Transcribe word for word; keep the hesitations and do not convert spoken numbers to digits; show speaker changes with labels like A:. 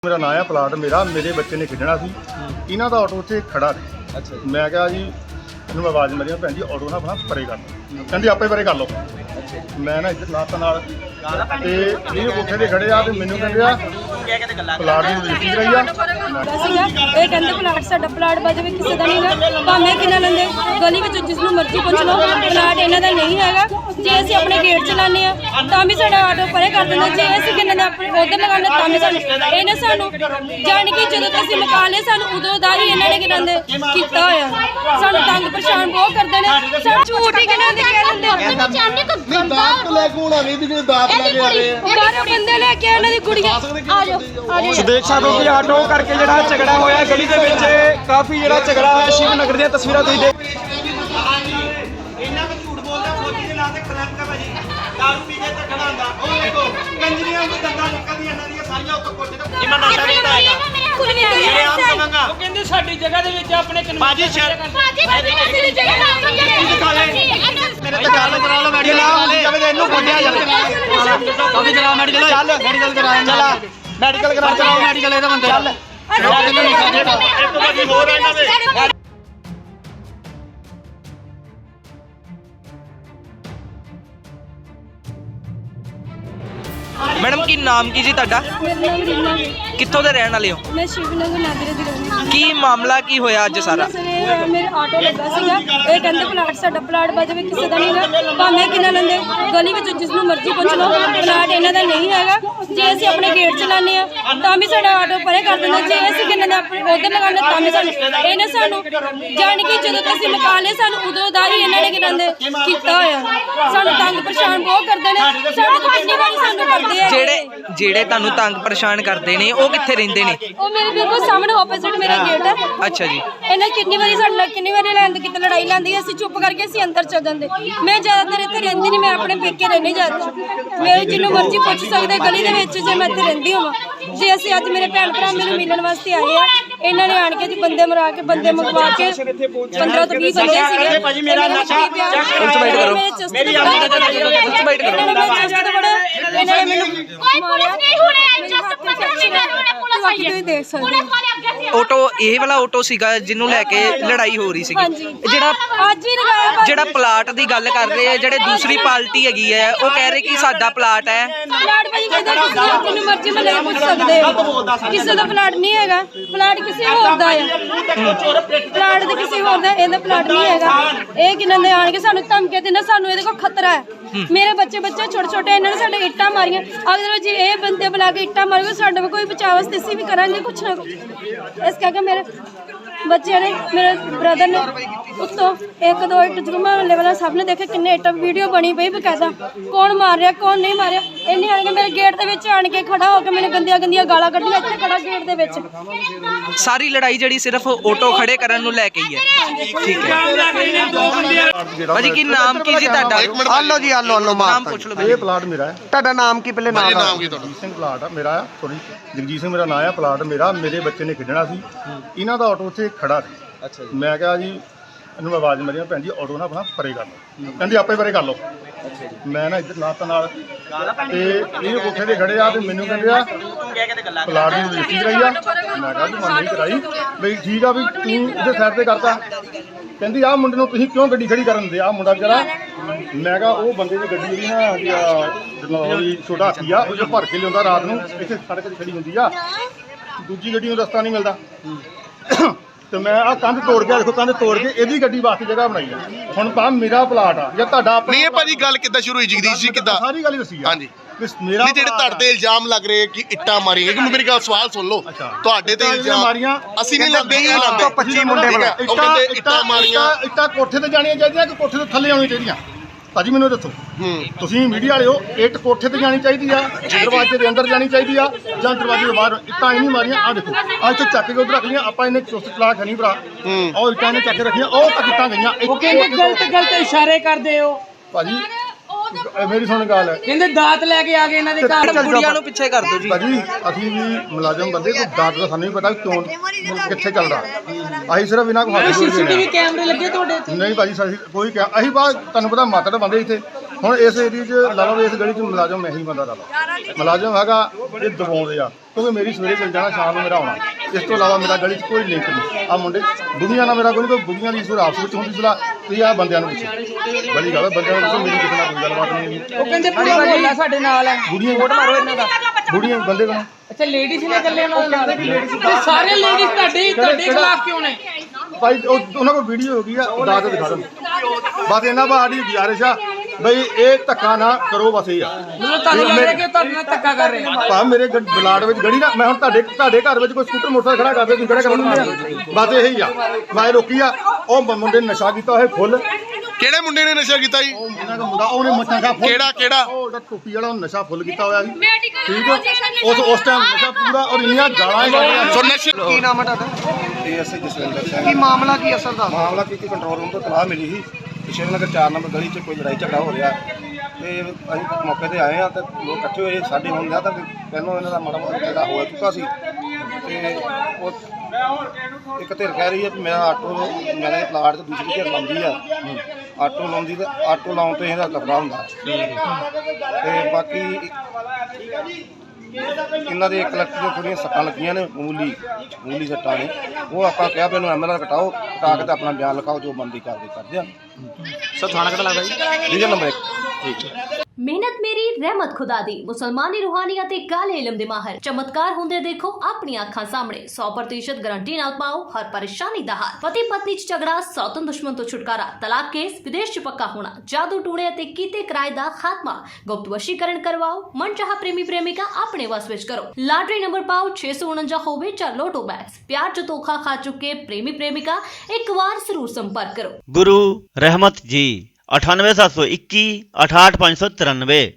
A: मेरा नाम है पलाट मेरा मेरे बच्चे ने खेडना सी इन्हों का ऑटो उत्थे खड़ा रहे। अच्छा मैं क्या जी इन्होंने आवाज़ मारी भैन जी ऑटो ना अपना परे कर लो कहती आपे परे कर लो। मैं ना इधर लाता नाल ते ये कोठे ते खड़े आ ते मैनूं कहंदे आ पलाट दी रजिस्ट्री कराई आ
B: ਇਹ ਕਹਿੰਦੇ ਪਲਾਟ ਸਾਡਾ ਪਲਾਟ ਬਾਜੇ ਵੀ ਕਿਸੇ ਦਾ ਨਹੀਂ ਹੈਗਾ ਭਾਵੇਂ ਕਿੰਨਾ ਲੈਂਦੇ ਗਲੀ ਵਿੱਚ ਜਿਸ ਨੂੰ ਮਰਜ਼ੀ ਪੁੱਛ ਲਓ ਪਲਾਟ ਇਹਨਾਂ ਦਾ ਨਹੀਂ ਹੈਗਾ। ਜੇ ਅਸੀਂ ਆਪਣੇ ਗੇਟ ਚਲਾਉਂਦੇ ਆ ਤਾਂ ਵੀ ਸਾਡਾ ਆਟੋ ਪਰੇ ਕਰ ਦਿੰਦੇ ਜੇ ਅਸੀਂ ਕਿੰਨੇ ਦਾ ਆਪਣੇ ਉਧਰ ਲਗਾਉਂਦੇ ਤਾਂ ਵੀ ਸਾਨੂੰ ਇਹਨੇ ਸਾਨੂੰ ਜਾਣ ਕੇ ਜਦੋਂ ਤੱਕ ਅਸੀਂ ਮਕਾ ਲਏ ਸਾਨੂੰ ਉਦੋਂ ਦਾ ਹੀ ਇਹਨਾਂ ਨੇ ਕਿਹਨਾਂ ਕੀਤਾ ਹੋਇਆ ਸਾਨੂੰ ਤੰਗ ਪਰੇਸ਼ਾਨ ਬਹੁਤ ਕਰਦੇ ਨੇ ਸਾਨੂੰ ਝੂਠ ਹੀ ਕਿਹਨਾਂ ਦੇ ਕਹਿ ਦਿੰਦੇ ਚਾਹੁੰਦੇ ਤਾਂ ਬੰਦਾ
C: ਲੈ ਕੇ ਹੋਣਾ ਨਹੀਂ ਜਿਹੜੇ ਦਾਤ ਲੈ ਕੇ ਆ ਰਹੇ ਆ
B: ਬਾਹਰੋਂ ਬੰਦੇ ਲੈ ਕੇ ਇਹਨਾਂ ਦੀ ਕੁੜੀਆਂ ਆ ਜਾਓ ਆ ਜਾਓ।
D: ਦੇਖ ਸਕਦੇ ਹੋ ਕਿ ਆਟੋ ਕਰਕੇ ਜਿਹੜਾ ਝਗੜਾ ਹੋਇਆ ਗਲੀ ਦੇ ਵਿੱਚ ਕਾਫੀ ਜਿਹੜਾ ਝਗੜਾ ਹੋਇਆ ਸ਼ਿਵ ਨਗਰ ਦੀਆਂ ਤਸਵੀਰਾਂ ਤੁਸੀਂ ਦੇਖ
E: ਇਹਨਾਂ ਨੂੰ ਝੂਠ ਬੋਲਦਾ ਫੌਜੀ ਦੇ ਨਾਂ ਤੇ ਕਲੰਕ ਹੈ ਭਾਜੀ ਦਾਰੂ ਪੀ ਕੇ ਤੇ ਖੜਾ ਹੁੰਦਾ ਉਹ ਦੇਖੋ ਕੰਜਰੀਆਂ ਨੂੰ ਦੰਦਾਂ ਨਿਕਲਦੀਆਂ ਇਹਨਾਂ ਦੀਆਂ ਸਾਰੀਆਂ ਉੱਤੋਂ ਕੋਠੇ ਤੋਂ ਇਮਾਨ ਨਸ਼ਾ ਕੀਤਾ ਹੈਗਾ ਇਹ ਆਮ ਸਮਾਂਗਾ ਉਹ ਕਹਿੰਦੇ ਸਾਡੀ ਜਗ੍ਹਾ ਦੇ ਵਿੱਚ ਆਪਣੇ ਕਾਨੂੰਨ ਬਾਜੀ ਸ਼ਹਿਰ ਬਾਜੀ ਸਾਡੀ ਜਗ੍ਹਾ ਨਾ ਮੇਰੇ ਤੇ ਗੱਲ ਕਰਾ ਲਓ ਮੈਡੀਕਲ ਜਾਵੇ ਇਹਨੂੰ ਫੋਟਿਆ ਜਾਵੇ ਕਾਫੀ ਜਰਾ ਮੈਡੀਕਲ ਚੱਲ ਮੈਡੀਕਲ ਕਰਾਇਆ ਚੱਲ ਮੈਡੀਕਲ ਕਰਾ ਚਲਾਓ ਮੈਡੀਕਲ ਇਹਦਾ ਬੰਦੇ ਚੱਲ ਇੱਕ ਵਾਰੀ ਹੋਰ ਆ ਇਹਨਾਂ ਦੇ
F: मैडम की नाम की जी ਤੁਹਾਡਾ
B: ਮੇਰਾ ਨਾਮ ਰੀਨਾ
F: ਕਿੱਥੋਂ ਦੇ ਰਹਿਣ ਵਾਲੇ ਹੋ
B: ਮੈਂ ਸ਼ਿਵਨਗਰ ਨਾਗਰੇ ਦੀ ਰਹਿੰਦੀ ਹਾਂ।
F: ਕੀ ਮਾਮਲਾ ਕੀ ਹੋਇਆ ਅੱਜ ਸਾਰਾ
B: ਸਵੇਰੇ ਮੇਰੇ ਆਟੋ ਲੱਗਾ ਸੀਗਾ ਇਹ ਕਹਿੰਦੇ ਪਲਾਟ ਸਾਡਾ ਪਲਾਟ ਬਾਜੇ ਵੀ ਕਿਸੇ ਦਾ ਨਹੀਂ ਹੈਗਾ ਭਾਵੇਂ ਕਿੰਨਾ ਲੈਂਦੇ ਗਲੀ ਵਿੱਚ ਜਿਸ ਨੂੰ ਮਰਜ਼ੀ ਪੁੱਛ ਲਓ ਪਲਾਟ ਇਹਨਾਂ ਦਾ ਨਹੀਂ ਹੈਗਾ। ਜੇ ਅਸੀਂ ਆਪਣੇ ਗੇਟ ਚਲਾਉਂਦੇ ਆ ਤਾਂ ਵੀ ਸਾਡਾ ਆਟੋ ਪਰੇ ਕਰ ਦਿੰਦੇ ਜੇ ਅਸੀਂ ਕਿੰਨੇ ਦਾ ਆਪਣੇ ਉਧਰ ਲਗਾਉਂਦੇ ਤਾਂ ਵੀ ਸਾਨੂੰ ਇਹਨੇ ਸਾਨੂੰ ਜਾਣ ਕੇ ਜਦੋਂ ਤੱਕ ਅਸੀਂ ਮਕਾ ਲਏ ਸਾਨੂੰ ਉਦੋਂ ਦਾ ਹੀ ਇਹਨਾਂ ਨੇ ਕਿਹਨਾਂ ਕੀਤਾ ਹੋਇਆ ਸਾਨੂੰ ਤੰਗ ਪਰੇਸ਼ਾਨ ਬਹੁਤ ਕਰਦੇ ਨੇ ਸਾਡੇ ਤੋਂ ਕਿੰਨੀ ਵਾਰੀ ਸਾਨੂੰ ਕਰਦੇ ਆ
F: ਜਿਹੜੇ ਜਿਹੜੇ ਤੁਹਾਨੂੰ ਤੰਗ ਪਰੇਸ਼ਾਨ ਕਰਦੇ ਨੇ ਉਹ ਕਿੱਥੇ ਰਹਿੰਦੇ ਨੇ
B: ਉਹ ਮੇਰੇ ਬਿਲਕੁਲ ਸਾਹਮਣੇ ਆਪੋਜ਼ਿਟ ਮੇਰਾ ਗੇਟ ਹੈ।
F: ਅੱਛਾ ਜੀ
B: ਇਹਨਾਂ ਕਿੰਨੀ ਵਾਰੀ ਸਾਡੇ ਨਾਲ ਕਿੰਨੀ ਵਾਰੀ ਲੈਣ ਕਿਤੇ ਲੜਾਈ ਲਾਂਦੀ ਅਸੀਂ ਚੁੱਪ ਕਰਕੇ ਅਸੀਂ ਅੰਦਰ ਚੱਲ ਜਾਂਦੇ। ਮੈਂ ਜ਼ਿਆਦਾਤਰ ਇੱਥੇ ਰਹਿੰਦੀ ਨਹੀਂ ਮੈਂ ਆਪਣੇ ਪੇਕੇ ਰਹਿਣੀ ਜਾਂਦੀ ਮੇਰੇ ਜਿਹਨੂੰ ਮਰਜ਼ੀ ਪੁੱਛ ਸਕਦੇ ਗਲੀ ਦੇ ਵਿੱਚ ਜੇ ਮੈਂ ਇੱਥੇ ਰਹਿੰਦੀ ਹੋਵਾਂ। ਜੇ ਅਸੀਂ ਅੱਜ ਮੇਰੇ ਭੈਣ ਭਰਾ ਮੈਨੂੰ ਮਿਲਣ ਵਾਸਤੇ ਆਏ ਆ ਇਹਨਾਂ ਨੇ ਆਣ ਕੇ ਜੀ ਬੰਦੇ ਮਰਾ ਕੇ ਬੰਦੇ ਮੰਗਵਾ ਕੇ ਪੰਦਰਾਂ ਤੋਂ ਵੀਹ ਬੰਦੇ ਸੀਗੇ ਭਾਜੀ ਮੇਰਾ ਨਸ਼ਾ
F: ਪੁਲਿਸ ਬਾਈਟ ਕਰੋ
E: ਮੇਰੀ ਆਵਾਜ਼
F: ਪੁਲਿਸ ਬਾਈਟ ਕਰੋ
B: ਇਹਨਾਂ ਨੇ ਮੈਨੂੰ ਕੋਈ ਪੁਲਿਸ ਨਹੀਂ ਹੋਣੇ ਜਸਟ ਪੰਦਰਾਂ ਮਿੰਟ ਹੋਣੇ ਪੁਲਿਸ ਆਈ ਹੈ ਦੇਖ ਸਕਦੇ ਪੁਲਿਸ ਵਾਲੇ ਅੱਗੇ ਸੀ
F: ਆਟੋ ਇਹ ਵਾਲਾ ਆਟੋ ਸੀਗਾ ਜਿਹਨੂੰ ਲੈ ਕੇ ਲੜਾਈ ਹੋ ਰਹੀ ਸੀਗੀ
B: ਹਾਂਜੀ
F: ਜਿਹੜਾ
B: ਅੱਜ ਹੀ ਲਗਾਇਆ
F: ਜਿਹੜਾ ਪਲਾਟ ਦੀ ਗੱਲ ਕਰ ਰਹੇ ਆ ਜਿਹੜੇ ਦੂਸਰੀ ਪਾਰਟੀ ਹੈਗੀ ਹੈ ਉਹ ਕਹਿ ਰਹੇ ਕਿ ਸਾਡਾ ਪਲਾਟ ਹੈ
B: ਪਲਾਟ ਭਾਜੀ ਕਹਿੰਦਾ ਤੁਸੀਂ ਜਿਹਨੂੰ ਮਰਜ਼ੀ ਮੈਂ ਲੈ ਪੁੱਛ ਸਕਦੇ ਹੋ ਕਿਸੇ ਦਾ ਪਲਾਟ ਨਹੀਂ ਹੈਗਾ ਪਲਾਟ ਕਿਸੇ ਹੋਰ ਦਾ ਆ ਪਲਾਟ ਦੇ ਕਿਸੇ ਹੋਰ ਦਾ ਇਹਦਾ ਪਲਾਟ ਨਹੀਂ ਹੈਗਾ। ਇਹ ਕਿਨਾਂ ਦੇ ਆਣ ਕੇ ਸਾਨੂੰ ਧਮਕੇ ਦਿੰਦੇ ਸਾਨੂੰ ਇਹਦੇ ਕੋਲ ਖਤਰਾ ਹੈ। ਮੇਰੇ ਬੱਚੇ ਬੱਚੇ ਛੋਟੇ ਛੋਟੇ ਇਹਨਾਂ ਨੇ ਸਾਡੇ ਇੱਟਾਂ ਮਾਰੀਆਂ ਅਗਰ ਜੇ ਇਹ ਬੰਦੇ ਬੁਲਾ ਕੇ ਇੱਟਾਂ ਮਾਰੂਗੇ ਸਾਡੇ ਕੋਈ ਬਚਾਅ ਵਾਸਤੇ ਅਸੀਂ ਵੀ ਕਰਾਂਗੇ ਕੁਛ ਨਾ ਕੁਛ। ਇਸ ਕਰਕੇ ਮੇਰੇ ਬੱਚਿਆਂ ਨੇ ਮੇਰੇ ਬ੍ਰਦਰ ਨੇ ਉੱਤੋਂ ਇੱਕ ਦੋ ਇੱਟ ਜ਼ਰੂਰ ਮਹੱਲੇ ਵਾਲਾ ਸਭ ਨੇ ਦੇਖਿਆ ਕਿੰਨੇ ਇੱਟ ਵੀਡੀਓ ਬਣੀ ਪਈ ਬਕਾਇਦਾ ਕੌਣ ਮਾਰ ਰਿਹਾ ਕੌਣ ਨਹੀਂ ਮਾਰਿਆ। ਇਹਨੇ ਆਣ ਕੇ ਮੇਰੇ ਗੇਟ ਦੇ ਵਿੱਚ ਆਣ ਕੇ ਖੜਾ ਹੋ ਕੇ ਮੈਨੂੰ ਗੰਦੀਆਂ ਗੰਦੀਆਂ ਗਾਲਾਂ ਕੱਢੀਆਂ ਇੱਥੇ ਖੜਾ ਗੇਟ ਦੇ ਵਿੱਚ।
F: ਸਾਰੀ ਲੜਾਈ ਜਿਹੜੀ ਸਿਰਫ ਆਟੋ ਖੜੇ ਕਰਨ ਨੂੰ ਲੈ ਕੇ ਹੀ ਹੈ। ਠੀਕ ਹੈ ਭਾਜੀ ਕੀ ਨਾਮ ਕੀ ਜੀ ਤੁਹਾਡਾ
C: ਆਲੋ ਜੀ ਆਲੋ ਆਲੋ
F: ਨਾਮ ਪੁੱਛ ਲਓ
A: ਇਹ ਪਲਾਟ ਮੇਰਾ ਹੈ
C: ਤੁਹਾਡਾ ਨਾਮ ਕੀ ਪਹਿਲੇ ਨਾਮ
A: ਨਾਮ ਕੀ ਤੁਹਾਡਾ ਜਗਜੀਤ ਸਿੰਘ ਪਲਾਟ ਆ ਮੇਰਾ ਆ ਸੋਰੀ ਜਗਜੀਤ ਸਿੰਘ ਮੇਰਾ ਨਾਮ ਆ ਪਲਾਟ ਮੇਰਾ ਮੇਰੇ ਬੱਚੇ ਨੇ ਖੇਡਣਾ ਸੀ ਇਹਨਾਂ ਦਾ ਆਟੋ ਉੱਥੇ ਖੜਾ ਸੀ। ਅੱਛਾ ਜੀ ਮੈਂ ਕਿਹਾ ਜੀ ਇਹਨੂੰ ਆਵਾਜ਼ ਮਾਰੀ ਭੈਣ ਜੀ ਆਟੋ ਨਾ ਆਪਣਾ ਪਰੇ ਕਰ ਲਓ ਕਹਿੰਦੀ ਆਪੇ ਪਰੇ ਕਰ ਲਓ। ਮੈਂ ਨਾ ਇੱਧਰ ਲਾਤਾ ਨਾਲ ਤੇ ਇਹ ਕੋਠੇ ਤੇ ਖੜੇ ਆ ਤੇ ਮੈਨੂੰ ਕਹਿੰਦੇ ਆ ਪਲਾਟ ਦੀ ਰਜਿਸਟਰੀ ਕਰਾਈ ਆ। ਮੈਂ ਕਿਹਾ ਜੀ ਮੈਂ ਨਹੀਂ ਕਰਾਈ ਬਈ ਠੀਕ ਆ ਵੀ ਤੂੰ ਇਹਦੇ ਸਾਈਡ ਤੇ ਕਰਤਾ। ਕਹਿੰਦੀ ਆਹ ਮੁੰਡੇ ਨੂੰ ਤੁਸੀਂ ਕਿਉਂ ਗੱਡੀ ਖੜੀ ਕਰਨ ਦਿੰਦੇ ਆ ਮੁੰਡਾ ਵਿਚਾਰਾ। ਮੈਂ ਕਿਹਾ ਉਹ ਬੰਦੇ ਦੀ ਗੱਡੀ ਜਿਹੜੀ ਨਾ ਜਿਹੜੀ ਛੋਟਾ ਹਾਥੀ ਆ ਉਹ ਜੋ ਭਰ ਕੇ ਲਿਆਉਂਦਾ ਰਾਤ ਨੂੰ ਇੱਥੇ ਸੜਕ 'ਤੇ ਖੜੀ ਹੁੰਦੀ ਆ ਦੂਜੀ ਗੱਡੀ ਨੂੰ ਰਸਤਾ ਨਹੀਂ ਮਿਲਦਾ ਤੇ ਮੈਂ ਆਹ ਕੰਧ ਤੋੜ ਕੇ ਦੇਖੋ ਕੰਧ ਤੋੜ ਕੇ ਇਹਦੀ ਗੱਡੀ ਵਾਸਤੇ ਜਗ੍ਹਾ ਬਣਾਈ ਆ। ਹੁਣ ਤਾਂ ਮੇਰਾ ਪਲਾਟ ਆ ਜਾਂ ਤੁਹਾਡਾ
C: ਨਹੀਂ ਇਹ ਭਾਜੀ ਗੱਲ ਕਿੱਦਾਂ ਸ਼ੁਰੂ ਹੋਈ ਜਗਦੀਸ਼ ਜੀ ਕਿੱਦਾਂ
A: ਸਾਰੀ ਗੱਲ ਹੀ ਦੱਸੀ ਆ।
C: ਹਾਂਜੀ
A: ਮੇਰਾ
C: ਨਹੀਂ ਜਿਹੜੇ ਤੁਹਾਡੇ ਤੇ ਇਲਜ਼ਾਮ ਲੱਗ ਰਹੇ ਕਿ ਇੱਟਾਂ ਮਾਰੀਆਂ ਕਿ ਮੇਰੀ ਗੱਲ ਸਵਾਲ ਸੁਣ ਲਓ ਤੁਹਾਡੇ ਤੇ ਇਲਜ਼ਾਮ
A: ਮਾਰੀਆਂ
C: ਅਸੀਂ ਨਹੀਂ ਲਾਉਂਦੇ ਇਹ ਲਾਉਂਦੇ
A: ਪੱਚੀ ਮੁੰਡੇ
C: ਉਹ ਕਹਿੰਦੇ ਇੱਟਾਂ ਮਾਰੀਆਂ
A: ਇੱਟਾਂ ਕੋਠੇ ਤੇ ਜਾਣੀਆਂ ਚਾਹੀਦੀਆਂ ਕਿ ਕੋਠੇ ਤੋਂ ਥੱਲੇ ਆਉਣੀਆਂ ਚਾਹੀਦੀਆਂ ਭਾਜੀ ਮੈਨੂੰ ਦੱਸੋ। ਤੁਸੀਂ ਮੀਡੀਆ ਵਾਲੇ ਹੋ ਇੱਟ ਕੋਠੇ ਤੇ ਜਾਣੀ ਚਾਹੀਦੀ ਆ ਦਰਵਾਜ਼ੇ ਦੇ ਅੰਦਰ ਜਾਣੀ ਚਾਹੀਦੀ ਆ ਜਾਂ ਦਰਵਾਜ਼ੇ ਦੇ ਬਾਹਰ ਇੱਟਾਂ ਹੀ ਨਹੀਂ ਮਾਰੀਆਂ। ਆ ਦੇਖੋ ਅੱਜ ਤੋਂ ਚੱਕ ਕੇ ਉਧਰ ਰੱਖ ਲਈਆਂ ਆਪਾਂ ਇਹਨੇ ਚੁਸਤ ਚਲਾ ਖਣੀ ਭਰਾ ਉਹ ਇੱਟਾਂ ਨੇ ਚੱਕ ਕੇ ਰੱਖੀਆਂ ਉਹ ਤੱਕ ਇੱਟਾਂ ਗਈਆਂ।
G: ਉਹ ਕਹਿੰਦੇ ਗਲਤ ਗਲਤ ਇਸ਼ਾਰੇ ਕਰਦੇ ਹੋ
A: ਭਾਜੀ ਮੇਰੀ ਸੁਣ ਗੱਲ ਹੈ
G: ਕਹਿੰਦੇ ਦਾਤ ਲੈ ਕੇ ਆ ਗਏ ਇਹਨਾਂ ਦੇ ਘਰ
F: ਕੁੜੀਆਂ ਨੂੰ ਪਿੱਛੇ ਕਰ ਦਿਓ ਜੀ।
A: ਭਾਜੀ ਅਸੀਂ ਵੀ ਮੁਲਾਜ਼ਮ ਬੰਦੇ ਕੋਈ ਦਾਤ ਦਾ ਸਾਨੂੰ ਵੀ ਪਤਾ ਕਿਉਂ ਕਿੱਥੇ ਚੱਲਦਾ ਅਸੀਂ ਸਿਰਫ ਇਹਨਾਂ ਕੋਲ ਹੱਥ ਜੋੜ
G: ਸੀਸੀਟੀਵੀ ਕੈਮਰੇ ਲੱਗੇ ਤੁਹਾਡੇ ਇੱਥੇ
A: ਨਹੀਂ ਭਾਜੀ ਅਸੀਂ ਕੋਈ ਕਿਹਾ ਅਸੀਂ ਬਾਅਦ ਤੁਹਾਨੂੰ ਪਤਾ ਮਾਤੜ ਬੰਦੇ ਇੱਥੇ ਹੁਣ ਇਸ ਏਰੀਏ 'ਚ ਲਾ ਲਓ ਵੀ ਇਸ ਗਲੀ 'ਚ ਮੁਲਾਜ਼ਮ ਮੈਂ ਹੀ ਬੰਦਾ ਲਾ ਲਓ ਮੁਲਾਜ਼ਮ ਹੈਗਾ ਇਹ ਦਬਾਉਂਦੇ ਆ ਕਿਉਂਕਿ ਮੇਰੀ ਸਵੇਰੇ ਚਲ ਜਾਣਾ ਸ਼ਾਮ ਨੂੰ ਮੇਰਾ ਆਉਣਾ ਇਸ ਤੋਂ ਇਲਾਵਾ ਮੇਰਾ ਗਲੀ 'ਚ ਕੋਈ ਲਿੰਕ ਨਹੀਂ ਆ ਮੁੰਡੇ ਬੁੜੀਆਂ ਨਾਲ ਮੇਰਾ ਕੋਈ ਨਹੀਂ ਕੋਈ ਬੁੜੀਆਂ ਦੀ ਸੁਰ ਆਪਸ ਵਿੱਚ ਹੁੰਦੀ ਸੁਲਾ ਤੁਸੀਂ ਆ ਬੰਦਿਆਂ ਨੂੰ ਪੁੱਛੋ ਬੜੀ ਗੱਲ ਹੈ ਬੰਦਿਆਂ ਨੂੰ ਪੁੱਛੋ ਮੇਰੀ ਕਿਸੇ ਨਾਲ ਕੋਈ ਗੱਲਬਾਤ ਨਹੀਂ ਹੈਗੀ
G: ਉਹ ਕਹਿੰਦੇ ਪੂਰਾ ਮੁਹੱਲਾ ਸਾਡੇ ਨਾਲ ਹੈ
A: ਬੁੜੀਆਂ ਵੋਟ ਮਾਰੋ ਇਹਨਾਂ ਦਾ ਬੁੜੀਆਂ ਬੰਦੇ ਕੋਲ
G: ਅੱਛਾ ਲੇਡੀਜ਼ ਨੇ ਇਕੱਲੇ ਉਹਨਾਂ ਦੇ ਨਾਲ ਤੇ ਸਾਰੇ ਲੇਡੀਜ਼ ਤੁਹਾਡੇ ਤੁਹਾਡੇ ਖਿਲਾਫ ਕਿਉਂ ਨੇ
A: ਭਾਈ ਉਹ- ਉਹਨਾਂ ਕੋਲ ਵੀਡੀਓ ਹੋ ਗਈ ਆ ਉਹ ਦਾਦ ਦਿਖਾ ਦੇਣ ਬਸ ਇਹਨਾਂ ਬਾ ਸਾਡੀ ਗੁਜ਼ਾਰਿਸ਼ ਆ ਬਈ ਇਹ ਧੱਕਾ ਨਾ ਕਰੋ ਬਸ ਇਹ ਆ
G: ਮੈਨੂੰ ਤੁਹਾਨੂੰ ਲੱਗ ਰਿਹਾ ਕਿ ਉਹ ਤੁਹਾਡੇ ਨਾਲ ਧੱਕਾ ਕਰ ਰਹੇ ਆ
A: ਭਾ ਮੇਰੇ ਗ- ਬਲਾਡ ਵਿੱਚ ਗੜੀ ਨਾ ਮੈਂ ਹੁਣ ਤੁਹਾਡੇ ਤੁਹਾਡੇ ਘਰ ਵਿੱਚ ਕੋਈ ਸਕੂਟਰ ਮੋਟਰਸਾਈਕਲ ਖੜਾ ਕਰਦੇ ਤੁਸੀਂ ਖੜਾ ਕਰਾਉਣਾ ਬਸ ਇਹੀ ਆ ਮੈਂ ਰੋਕੀ ਆ ਉਹ ਬ- ਮੁੰਡੇ ਨੇ ਨਸ਼ਾ ਕੀਤਾ ਹੋਇਆ ਫੁੱਲ
C: ਕਿਹੜੇ ਮੁੰਡੇ ਨੇ ਨਸ਼ਾ ਕੀਤਾ ਜੀ
A: ਉਹ ਮੁੰਡਾ ਦਾ ਮੁੰਡਾ ਉਹਨੇ ਮੱਛਾਂ ਖਾ ਫੁੱਲ
C: ਕਿਹੜਾ ਕਿਹੜਾ
A: ਉਹ ਜਿਹੜਾ ਟੋਪੀ ਵਾਲਾ ਉਹ ਨਸ਼ਾ ਫੁੱਲ ਕੀਤਾ ਹੋਇਆ ਸੀ ਠੀਕ ਆ ਉਸ ਉਸ ਟਾਈਮ ਨਸ਼ਾ ਪੂਰਾ ਔਰ ਇੰਨੀਆਂ ਗਾਲਾਂ ਹੀ ਕੱਢੀਆਂ
C: ਸੋ ਨਸ਼ੇ
F: ਕੀ ਨਾਮ ਹੈ ਤੁਹਾਡਾ
A: ਏਐਸਆਈ ਜਸਵਿੰਦਰ ਸਿੰਘ
F: ਕੀ ਮਾਮਲਾ ਕੀ ਅਸਲ ਦਾ
A: ਮਾਮਲਾ ਕੀ ਕੰਟਰੋਲ ਰੂਮ ਤੋਂ ਤਲਾਹ ਮਿਲੀ ਸੀ ਕਿ ਸ਼ਿਵਨਗਰ ਚਾਰ ਨੰਬਰ ਗਲੀ 'ਚ ਕੋਈ ਲੜਾਈ ਝਗੜਾ ਹੋ ਰਿਹਾ ਤੇ ਅਸੀਂ ਮੌਕੇ ਤੇ ਆਏ ਆ ਤੇ ਲੋਕ ਇਕੱਠੇ ਹੋਏ ਸਾਡੇ ਹੋਣ ਗਿਆ ਤਾਂ ਪਹਿਲਾਂ ਇਹਨਾਂ ਦਾ ਮਾੜਾ ਮੋਟਾ ਝਗੜਾ ਹੋ ਚੁੱਕਾ ਸੀ ਤੇ ਉਹ ਇੱਕ ਧਿਰ ਕਹਿ ਰਹੀ ਹੈ ਕਿ ਮੇਰਾ ਆਟੋ ਮੇਰੇ ਪਲਾਟ ਤੇ ਦੂਸਰੀ ਧਿਰ ਲਾਉਂਦੀ ਆ ਆਟੋ ਲਾਉਂਦੀ ਤੇ ਆਟੋ ਲਾਉਣ ਤੇ ਇਹਦਾ ਲਫੜਾ ਹੁੰਦਾ ਤੇ ਬਾਕੀ ਇਹਨਾਂ ਦੇ ਇੱਕ ਲੱਖ ਦੀਆਂ ਥੋੜੀਆਂ ਸੱਟਾਂ ਲੱਗੀਆਂ ਨੇ ਮਾਮੂਲੀ ਮਾਮੂਲੀ ਸੱਟਾਂ ਨੇ ਉਹ ਆਪਾਂ ਕਿਹਾ ਵੀ ਇਹਨੂੰ ਐਮਐਲਆਰ ਕਟਾਓ ਕਟਾ ਕੇ ਤੇ ਆਪਣਾ ਬਿਆਨ ਲਿਖਾਓ ਜੋ ਬੰਦੀ ਕਰਦੇ ਕਰਦੇ ਆ
D: ਸਰ ਥਾਣਾ ਕਿਹੜਾ ਲੱਗਦਾ ਜੀ
A: ਡਿਵੀਜ਼ਨ ਨੰਬਰ ਇੱਕ
H: ਮਿਹਨਤ ਮੇਰੀ ਰਹਿਮਤ ਖੁਦਾ ਦੀ ਮੁਸਲਮਾਨੀ ਰੂਹਾਨੀਅਤ ਤੇ ਕਾਲੇ ਇਲਮ ਦੇ ਮਾਹਰ ਚਮਤਕਾਰ ਹੁੰਦੇ ਦੇਖੋ ਆਪਣੀਆਂ ਅੱਖਾਂ ਸਾਹਮਣੇ ਸੌ ਪ੍ਰਤੀਸ਼ਤ ਗਾਰੰਟੀ ਨਾਲ ਪਾਓ ਹਰ ਪਰੇਸ਼ਾਨੀ ਦਾ ਹੱਲ ਪਤੀ ਪਤਨੀ ਚ ਝਗੜਾ ਸੌਤਨ ਦੁਸ਼ਮਣ ਤੋਂ ਛੁਟਕਾਰਾ ਤਲਾਕ ਕੇਸ ਵਿਦੇਸ਼ ਚ ਪੱਕਾ ਹੋਣਾ ਜਾਦੂ ਟੂਣੇ ਅਤੇ ਕੀਤੇ ਕਿਰਾਏ ਦਾ ਖਾਤਮਾ ਗੁਪਤ ਵਸ਼ੀਕਰਨ ਕਰਵਾਓ ਮਨਚਾਹਾ ਪ੍ਰੇਮੀ ਪ੍ਰੇਮਿਕਾ ਆਪਣੇ ਵਸ ਵਿੱਚ ਕਰੋ ਲਾਟਰੀ ਨੰਬਰ ਪਾਓ ਛੇ ਸੌ ਉਨੰਜਾ ਹੋਵੇ ਜਾਂ ਲੋਟੋ ਬੈਗਸ ਪਿਆਰ ਚ ਧੋਖਾ ਖਾ ਚੁੱਕੇ ਪ੍ਰੇਮੀ ਪ੍ਰੇਮਿਕਾ ਇੱਕ ਵਾਰ ਜ਼ਰੂਰ ਸੰਪਰਕ ਕਰੋ
I: गुरु रहमत जी अठानवे सात सौ इक्की अठाठ पाँच सौ तिरानवे।